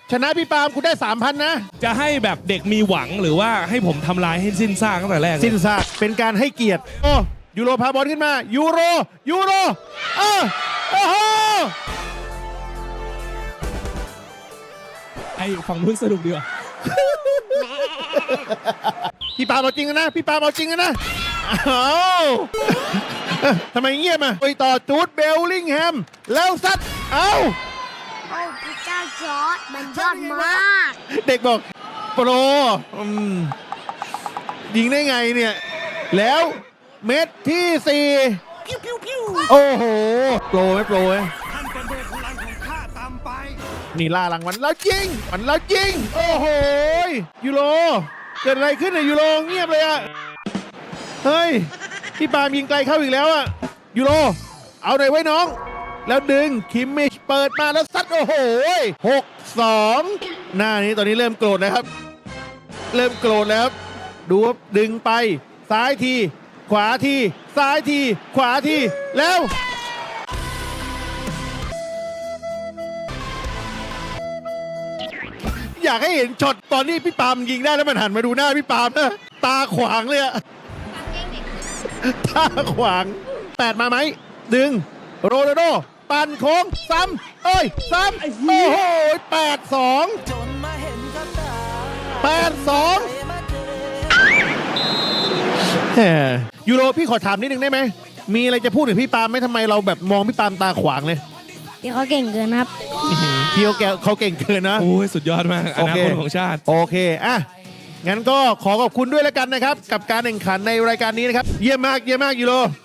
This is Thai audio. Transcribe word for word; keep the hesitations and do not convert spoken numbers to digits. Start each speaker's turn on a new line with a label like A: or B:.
A: ชนะพี่ปาล์มคุณได้ สามพัน นะ
B: จะให้แบบเด็กมีหวังหรือว่าให้ผมทำลายให้สิ้นซากตั้งแต่แรกเลย
A: สิ้นซากเป็นการให้เกียรติโอ้ยูโรพาบอลขึ้นมายูโรยูโรเออโอ้โห
B: ไอ้ฝั่งนู้นสนุกดีว่ะ
A: พี่ปาล์มเอาจริงนะพี่ปาล์มเอาจริงนะอ้าวทำไมเงียบอ่ะไปต่อจูดเบลลิงแฮมแล้วซัดเอ้า
C: โอ้พระเจ้าจอร์ดมันยอดมาก
A: เด็กบอกโปรอืมยิงได้ไงเนี่ย แล้วเม็ดที่สี่โอ้โหโปรไหมโปรไหมนี่ล่ารางวัลแล้วจริงมันแล้วจริงโอ้โหยูโรเกิดอะไรขึ้นเนี่ยยูโรเงียบเลยอะเฮ้ยพี่ปาล์มยิงไกลเข้าอีกแล้วอะยูโรเอาหน่อยไว้น้อง แล้วดึงคิมมิชเปิดมาแล้วซัดโอ้โหหกสองหน้านี้ตอนนี้เริ่มโกรธแล้วครับ เริ่มโกรธแล้วครับดูครับดึงไปซ้ายที ขวาทีซ้ายทีขวาทีแล้ว อยากให้เห็นช็อตตอนนี้พี่ปาล์มยิงได้แล้วมันหันมาดูหน้าพี่ปาล์มนะตาขวางเลยอะตาขวางแปดมาไหมดึงโรนัลโดปั่นโค้งซ้ำเอ้ยซ้ำโอ้โหแปดสองแปดสองยูโรพี่ขอถามนิดนึงได้ไหมมีอะไรจะพูดถึงพี่ปาล์มไหมทำไมเราแบบมองพี่ปาล์มตาขวางเลย
C: เดี๋ยวเขาเก่งเกินครับ
A: พี่เขาแกเขาเก่งเกินนะ
B: โอ้ยสุดยอดมากอ
A: โอ
B: นา
A: เค
B: คตของชาติ
A: โอเคอ่ะงั้นก็ขอขอบคุณด้วยแล้วกันนะครับ กับการแข่งขันในรายการนี้นะครับ เยี่ยมมากเยี่ยมมากยูโร